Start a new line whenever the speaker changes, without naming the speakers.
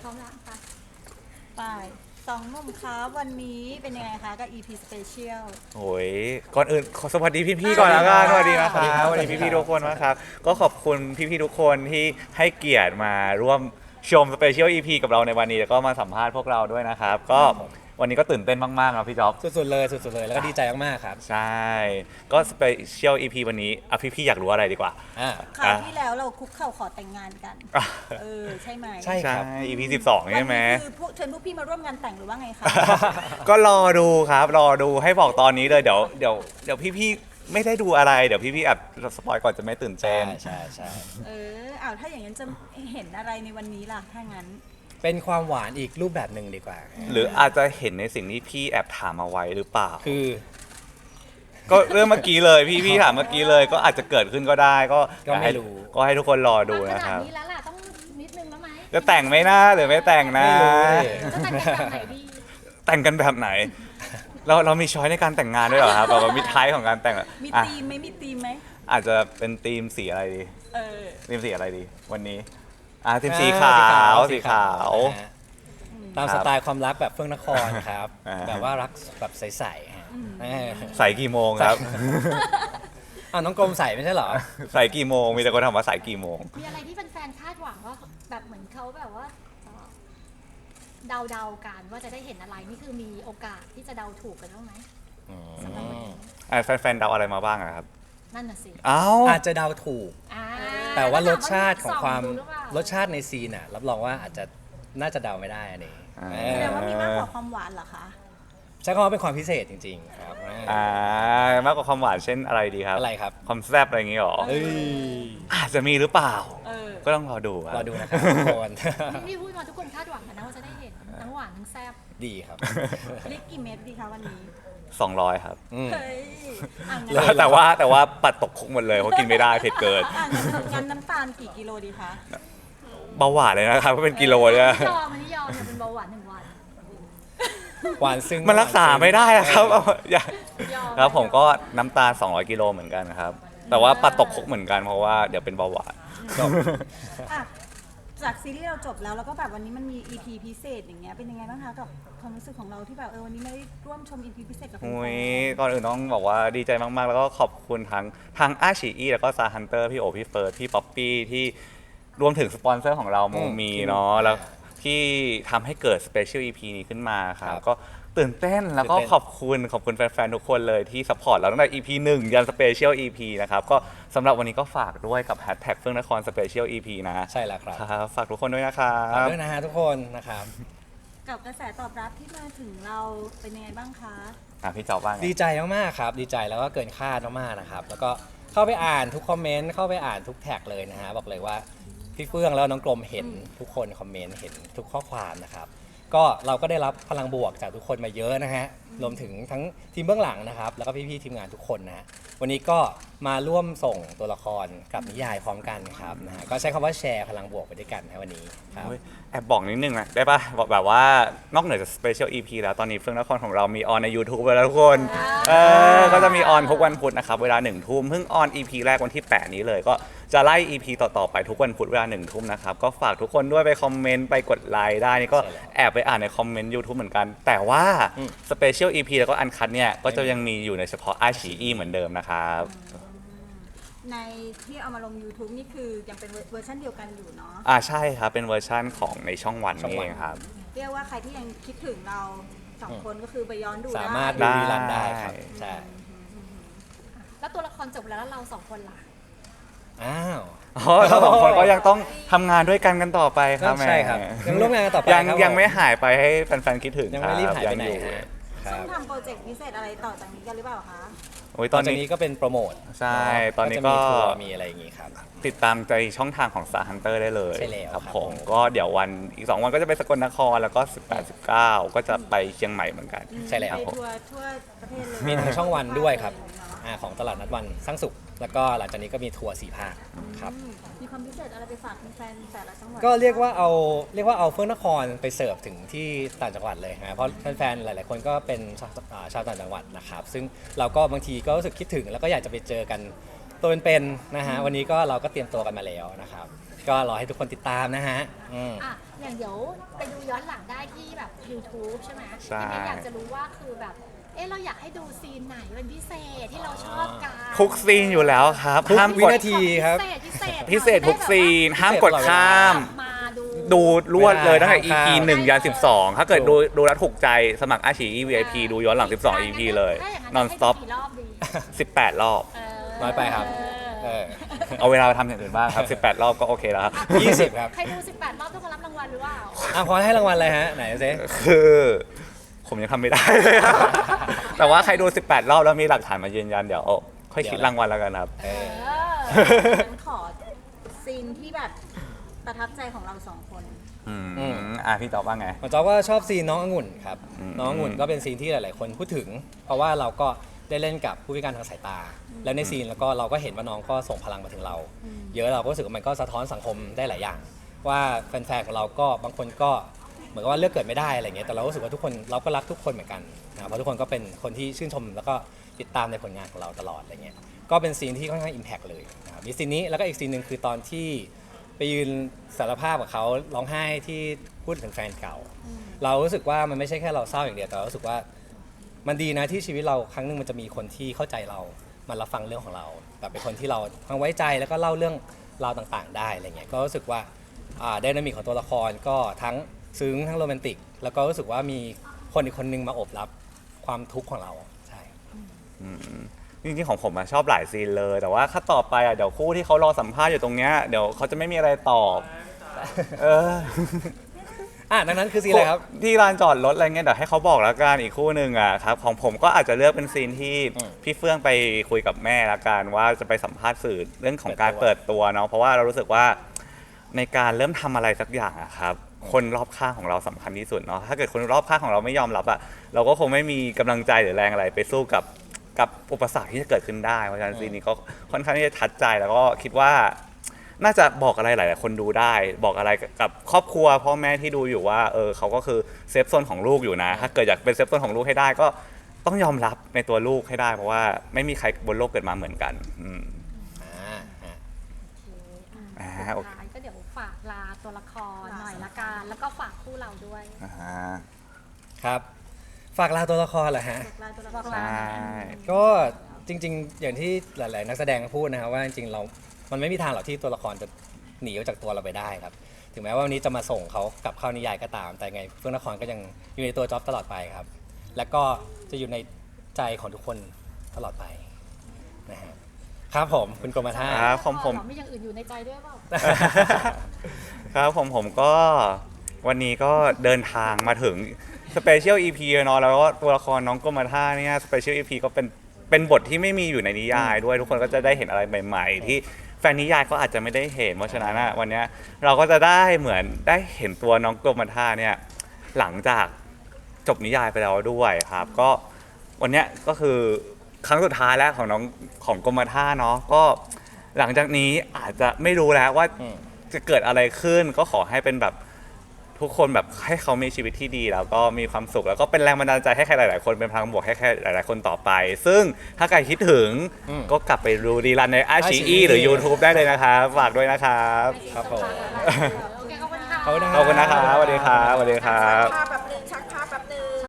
พร้อมแล้วค่ะ
ไปสองหนุ่มคะวันนี้เป็นยังไงคะกับ EP Special
โอ้ยก่อนอื่นขอสวัสดีพี่ๆก่อนแล้วกันสวัสดีนะค
สวัสดีครั
รับบ สวัสดีพี่ๆทุกคนนะครับก็ขอบคุณพี่ๆทุกคนที่ให้เกียรติมาร่วมชมสเปเชียล EP กับเราในวันนี้แล้วก็มาสัมภาษณ์พวกเราด้วยนะครับก็วันนี้ก็ตื่นเต้นมากๆนะพี่จ๊อบ
สุดๆเลยสุดๆเลยแล้วก็ดีใจมากๆครับ
ใช่ก็สเปเชียล EP วันนี้พี่ๆอยากรู้อะไรดีกว่า
อ่า
คราวที่แล้วเราคุกเข่าขอแต่งงานกัน
อ่ะ
ใช่ไหม
ใช่
ใช่
ครับ
EP 12ใช่ไหม
วันนี้คือเชิญพวกพี่มาร่วมงานแต่งหรือว่าไงคะ
ก็รอดูครับรอดูให้บอกตอนนี้เลยเดี๋ยวพี่ๆไม่ได้ดูอะไรเดี๋ยวพี่ๆอาจสปอยก่อนจะไม่ตื่นเต้
ใช่
น
ใช่
ถ้าอย่างนั้นจะเห็นอะไรในวันนี้ล่ะถ้างั้น
เป็นความหวานอีกรูปแบบหนึ่งดีกว่า
หรืออาจจะเห็นในสิ่งที่พี่แอบถามเอาไว้หรือเปล่า
คือ
ก็เรื่องเมื่อกี้เลยพี่ถามเมื่อกี้เลยก็อาจจะเกิดขึ้นก็ได้ก็
ก็ไม่รู้
ก็ให้ทุกคนรอดู
ข
นะ
นา
ค
ด
รับ
นี้แล้วล่ะต้องนิดนึงแล้วไหม
จะแต่งไหมนะหรือไม่แต่งนะ
ไม่รู้เลย
จะแต่งเป็นแบบไหนดี
แต่งกันแบบไหนเรามีช้อยในการแต่งงานด้วยเหรอครับแบบว่ามีท้ายของการแต่งอะ
มี
อ่ะ
ธีมไหมมีธีมไหม
อาจจะเป็นธีมสีอะไรดี
เออ
ธีมสีอะไรดีวันนี้ธีมสีขาว
สีขาว
นะฮะ
ตามสไตล์ความรักแบบเฟื่องนครครับ
อ่า
แบบว่ารักแบบใสๆฮะเออ
ใส่กี่โมงครับ
อ้าวน้องกรมใสไม่ใช่เหรอ
ใส่กี่โมงมีแต่คนถามว่าใส่กี่โมง
มีอะไรที่แฟนๆคาดหวังว่าแบบเหมือนเขาแบบว่าเดาๆกันว่าจะได้เห็นอะไรนี่คือมีโอกาสที่จะเดาถูกกันบ้างไหมสำหรับวันนี้
แฟนๆเดาอะไรมาบ้างอะครับ
นั่นน่ะสิ
เอ้า
อาจจะเดาถูก
อ่า
แต่ว่ารสชาติของความ
ส่ดูหอเปล่
รสชาติในซีนอ่ะรับรองว่าอาจจะน่าจะเดาไม่ได้อันนี้
อ่า
เอ
แส
อ
ดงว่ามีมากกว่าความหวานเหรอคะ
ใช้คำว่าเป็นความพิเศษจริงๆครับ
มากกว่าความหวานเช่นอะไรดีครับ
อะไรครับ
ความแซ่บอะไรอย่างงี้หรอ
เอ้ย
อาจจะมีหรือเปล่า
เออ
ก็ต้องรอดูค
ร
รั
อบ ดูนะครับทุกคน
นี่พูดมาทุกคนคาดหวังกันนะว่าจะได้เห็นทั้งหวานทั้งแซ่บ
ดีครับ
ลิกกี่เม็ดดีคะวันนี้
200 ครับ
อืม
เฮ้ยอ่ะงั้น
เลย
แต่ว่าปัดตกคุกหมดเลยเพราะกินไม่ได้เผ็ดเกิน
งั้นน้ำตาลกี่กิโลดีคะ
เบาหวานเลยนะครับเพราะเป็นกิโลเนี่ย
ไม่ยอมมันไม่ยอมเนี่ยเป็นเบาหวาน1 วัน
หวานซึ้ง
มันรักษาไม่ได้นะครับอย่าย
อม
ครับผมก็น้ำตาล 200 กิโลเหมือนกันครับ แต่ว่าปัดตกคุกเหมือนกันเพราะว่าเดี๋ยวเป็นเบาหวาน
อ่ะจากซีรีส์เราจบแล้วแล้วก็แบบวันนี้มันมี EP พิเศษอย่างเงี้ยเป็นยังไงบ้างคะกับความรู้สึกของเราที่แบบวันนี้ไม่ได้ร่วมชม EP พิเศษกับแฟน
อุ้ย
ๆ
ก่อนอื่นต้องบอกว่าดีใจมากๆ แล้วก็ขอบคุณทั้งอาชีอีแล้วก็ซาฮันเตอร์พี่โอพี่เฟิร์สพี่ป๊อปปี้ที่รวมถึงสปอนเซอร์ของเราโมมีเนาะแล้วที่ทำให้เกิดสเปเชียล EP นี้ขึ้นมาครับก็ตื่นเต้นแล้วก็ขอบคุณแฟนๆ ทุกคนเลยที่สปอร์ตเราตั้งแต่ EP 1 ยันสเปเชียล EP นะครับก็สำหรับวันนี้ก็ฝากด้วยกับแฮชแท็กเฟื่องนครสเปเชียล EP นะ
ใช่แล้วครับ
ครับฝากทุกคนด้วยนะครั
ฝาก
บ
ด้วยนะฮะทุกคนนะครับ
กับกระแสตอบรับที่มาถึงเราเป็นยังไงบ้างคะ
พี่เจ้าบ้างไง
ดีใจมากๆครับ ดีใจแล้วก็เกินคาดมากๆนะครับ แล้วก็เข้าไปอ่านทุกคอมเมนต์ เข้าไปอ่านทุกแท็กเลยนะฮะ บอกเลยว่าพี่เฟื่องแล้วน้องกรมเห็นทุกคนคอมเมนต์เห็นทุกข้อความนะครับ ก็เราก็ได้รับพลังบวกจากทุกคนมาเยอะนะฮะ รวมถึงทั้งทีมเบื้องหลังนะครับ แล้วก็พี่ๆทีมงานทุกคนนะฮะวันนี้ก็มาร่วมส่งตัวละครกับนิยายพร้อมกันครับนะฮะ ก็ใช้คำว่าแชร์พลังบวกไปด้วยกันนะวันนี้ครับ
เฮ้ยแอบบอกนิดนึงนะได้ปะบอกแบบว่านอกเหนือจากสเปเชียล EP แล้วตอนนี้เฟื่องนครของเรามีออนใน YouTube ไปแล้วทุกคนก็จะมีออนทุกวันพุธนะครับเวลา1 ทุ่มเพิ่งออน EP แรกวันที่ 8 นี้เลยก็จะไล่ EP ต่อๆไปทุกวันพุธเวลา1 ทุ่มนะครับก็ฝากทุกคนด้วยไปคอมเมนต์ไปกดไลค์ได้นี่ก็
ใช่แล้ว
แอบไปอ่านในคอมเมนต์ YouTube เหมือนกัน แต่ว่าสเปเชียล EP แล้วก็อันคัทเนี่ยก็จะยังมีอยู่ในเฉพาะอาชีอีเหมือนเดิมนะครับ
ในที่เอามาลง YouTube นี่คือยังเป็นเวอร์ชันเดียวกันอยู่เนาะ
ใช่ครับเป็นเวอร์ชั่นของในช่องวันนี่เองครับ
เรียกว่าใครที่ยังคิดถึงเราสองคนก็คือไปย้อนดูได้
สามารถ
ได้
ดูรีรันได้ครับ ใช่
แล้วตัวละครจบแล้วเราสองคนล่ะ
อ้าว
เราสองคนก็ยังต้องทำงานด้วยกันต่อไปครับ
ใช่ครับ
แห
ยังร่วมงานกันต่อไป
ยัง
ครับ
ยังไม่
ผม
หายไปให้แฟนๆคิดถึง
ยังไม่รีบหายไปไหน
งอ
ฮะค
ซึ่
รั
ง
บ
ทำโปรเจกต์พิเศษอะไรต่อจากนี้กันหรือเปล่าคะ
โอ้ย
ต
ต
อ
อน น
จาก
นี้
นี้ก็เป็นโปรโมท
ใช่ตอนนี้
จะ
ก็
มีทัวร์มีอะไรอย่างงี้ครับ
ติดตามใจช่องทางของ Star Hunter ได้เลย
ใช่แล้ว
ครับ
ครับ
ผมก็เดี๋ยววันอีก 2 วันก็จะไปสกลนครแล้วก็ 18 19 ก็จะไปเชียงใหม่เหมือนกัน
ใช่แล้ว
ไปทัวร์ทั่วประเทศเลย
มีทางช่องวันด้วยครับของตลาดนัดวันสร้างสุข แล้วก็หลังจากนี้ก็มีทัวร์4 ภาคครับ
มีความพิเศษอะไรไปฝากแฟนๆแต่ละจังหวัด
ก็เรียกว่าเอาเฟื่องนครไปเสิร์ฟถึงที่ต่างจังหวัดเลยนะเพราะแฟนๆหลายๆคนก็เป็นชาวต่างจังหวัดนะครับ ซึ่งเราก็บางทีก็รู้สึกคิดถึงแล้วก็อยากจะไปเจอกันตัวเป็นๆนะฮะวันนี้ก็เราก็เตรียมตัวกันมาแล้วนะครับก็รอให้ทุกคนติดตามนะฮะ
อ่ะอย่างเดี๋ยวไปดูย้อนหลังได้ที่แบบ YouTube ใช่ไหม
ใช่
ทีนี้อยากจะรู้ว่าคือแบบเราอยากให้ดูซีนไหนเป็นพิเศษที่เราชอบกัน
ทุกซีนอยู่แล้วครับ
ทุก
ห้าม
วิ
กด
นาทีครับ
พิเศษทุกซีนห้ามกดข้าม
มาดู
ดูรวดเลยตั้งแต่
ห้าม
EP
ข้าม
1 ยัน 12 ถ้าเกิดดูแล้วถูกใจสมัครอาชี VIP ดูย้อนหลัง 12 EP เลย
ถ้าอย่างนั้น
non
ให้ดู
stop
กี่รอบดี
18 รอบ
น้อยไปครับ
เอาเวลาไปทำอย่างอื่นบ้างครับ 18 รอบก็โอเคแล้วครับ
20 ครับ
ใครดู 18 รอบต้องมารับรางวัลหรือเปล่า
พอให้รางวัลอะไรฮะไหนซิ
คือผมยังทำไม่ได้เลยครับ แต่ว่าใครดู 18 รอบแล้วมีหลักฐานมายืนยันเดี๋ยวค่อยคิดรางวัลแล้วกันครับ
งั้นขอซีนที่แบบประทับใจของเรา2 คน
พี่ตอบว่าไง
ผมจอบว่าชอบซีนน้ององุ่นครับ
อืม
น้ององุ่นก็เป็นซีนที่หลาย ๆ คนพูดถึง เพราะว่าเราก็ได้เล่นกับผู้พิการทางสายตา แล้วในซีนแล้วก็เราก็เห็นว่าน้องก็ส่งพลังมาถึงเรา เยอะเราก็รู้สึกว่ามันก็สะท้อนสังคมได้หลายอย่าง ว่าแฟน ๆ ของเราก็บางคนก็เหมือนกับว่าเลือกเกิดไม่ได้อะไรเงี้ยแต่เรารู้สึกว่าทุกคนเราก็รักทุกคนเหมือนกันนะเพราะทุกคนก็เป็นคนที่ชื่นชมแล้วก็ติดตามในผลงานของเราตลอดอะไรเงี้ยก็เป็นซีนที่ค่อนข้างอิมแพกเลยนะครับมีซีนนี้แล้วก็อีกซีนหนึ่งคือตอนที่ไปยืนสารภาพกับเขาร้องไห้ที่พูดถึงแฟนเก่า เรารู้สึกว่ามันไม่ใช่แค่เราเศร้าอย่างเดียวแต่เรารู้สึกว่ามันดีนะที่ชีวิตเราครั้งหนึ่งมันจะมีคนที่เข้าใจเรามารับฟังเรื่องของเราแบบเป็นคนที่เราทั้งไว้ใจแล้วก็เล่าเรื่องราวต่างๆ ได้อะไรเงี้ยก็รู้สึกว่าไดนามิกของตัวละครก็ทั้งซึ้งทั้งโรแมนติกแล้วก็รู้สึกว่ามีคนอีกคนนึงมาโอบรับความทุกข์ของเราใช่
จริงๆของผมชอบหลายซีนเลย แต่ว่าถ้าต่อไปเดี๋ยวคู่ที่เขารอสัมภาษณ์อยู่ตรงเนี้ยเดี๋ยวเขาจะไม่มีอะไรตอบ
ดังนั้นคือซีนอะไรครับ
ที่ลานจอดรถอะไรเงี้ยเดี๋ยวให้เขาบอกแล้วกันอีกคู่หนึ่งครับของผมก็อาจจะเลือกเป็นซีนที่พี่เฟื่องไปคุยกับแม่ละกันว่าจะไปสัมภาษณ์สื่อเรื่องของการเปิดตัวเนาะเพราะว่าเรารู้สึกว่าในการเริ่มทำอะไรสักอย่างครับคนรอบข้างของเราสำคัญที่สุดเนาะถ้าเกิดคนรอบข้างของเราไม่ยอมรับเราก็คงไม่มีกำลังใจหรือแรงอะไรไปสู้กับอุปสรรคที่จะเกิดขึ้นได้เพราะฉะนั้นซีนนี้ก็ค่อนข้างที่จะทัดใจแล้วก็คิดว่าน่าจะบอกอะไรหลายๆคนดูได้ บอกอะไรกับครอบครัวพ่อแม่ที่ดูอยู่ว่าเขาก็คือเซฟโซนของลูกอยู่นะถ้าเกิดอยากเป็นเซฟโซนของลูกให้ได้ก็ต้องยอมรับในตัวลูกให้ได้เพราะว่าไม่มีใครบนโลกเกิดมาเหมือนกัน
โอเคก็เดี๋ยวฝากลาตัวละครหน่อยละกันแล้วก็ฝากคู่เราด้วย
ครับฝากลาตัวละครเหรอฮะ
ใช่
ก็จริงๆ อย่างที่หลายๆนักแสดงพูดนะครับว่าจริงๆมันไม่มีทางหรอกที่ตัวละครจะหนีออกจากตัวเราไปได้ครับถึงแม้ว่าวันนี้จะมาส่งเขากลับเข้านิยายก็ตามแต่ไงเฟื่องนครก็ยังอยู่ในตัวจ๊อบตลอดไปครับแล้วก็จะอยู่ในใจของทุกคนตลอดไปนะฮะครับผมคุณกรมท่า
ครับของผม
มีอย่างอื่นอยู่ในใจด้วยเปล่า
ครับผมก็วันนี้ก็เดินทางมาถึงสเปเชียล EP เนาะแล้วก็ตัวละครน้องกรมท่าเนี่ยสเปเชียล EP ก็เป็นบทที่ไม่มีอยู่ในนิยายด้วยทุกคนก็จะได้เห็นอะไรใหม่ๆที่แฟนนิยายก็อาจจะไม่ได้เห็นเพราะฉะนั้นวันนี้เราก็จะได้เหมือนได้เห็นตัวน้องกรมท่าเนี่ยหลังจากจบนิยายไปแล้วด้วยครับก็วันนี้ก็คือครั้งสุดท้ายแล้วของกรมท่าเนาะก็หลังจากนี้อาจจะไม่รู้แล้วว่าจะเกิดอะไรขึ้นก็ขอให้เป็นแบบทุกคนแบบให้เขามีชีวิตที่ดีแล้วก็มีความสุขแล้วก็เป็นแรงบันดาลใจให้ใครหลายๆคนเป็นพลังบวกให้ใครหลายๆคนต่อไปซึ่งถ้าใครคิดถึงก็กลับไปดูรีรันในอาชีอีหรือ YouTube ได้เลยนะครับฝากด้วยนะครับ
ครับผม
โอเคขอบคุณค่ะ
ขอบคุณนะ
ขอบคุณนะครับสวัสดีครับสวัสดีครับ
ภาพแบบ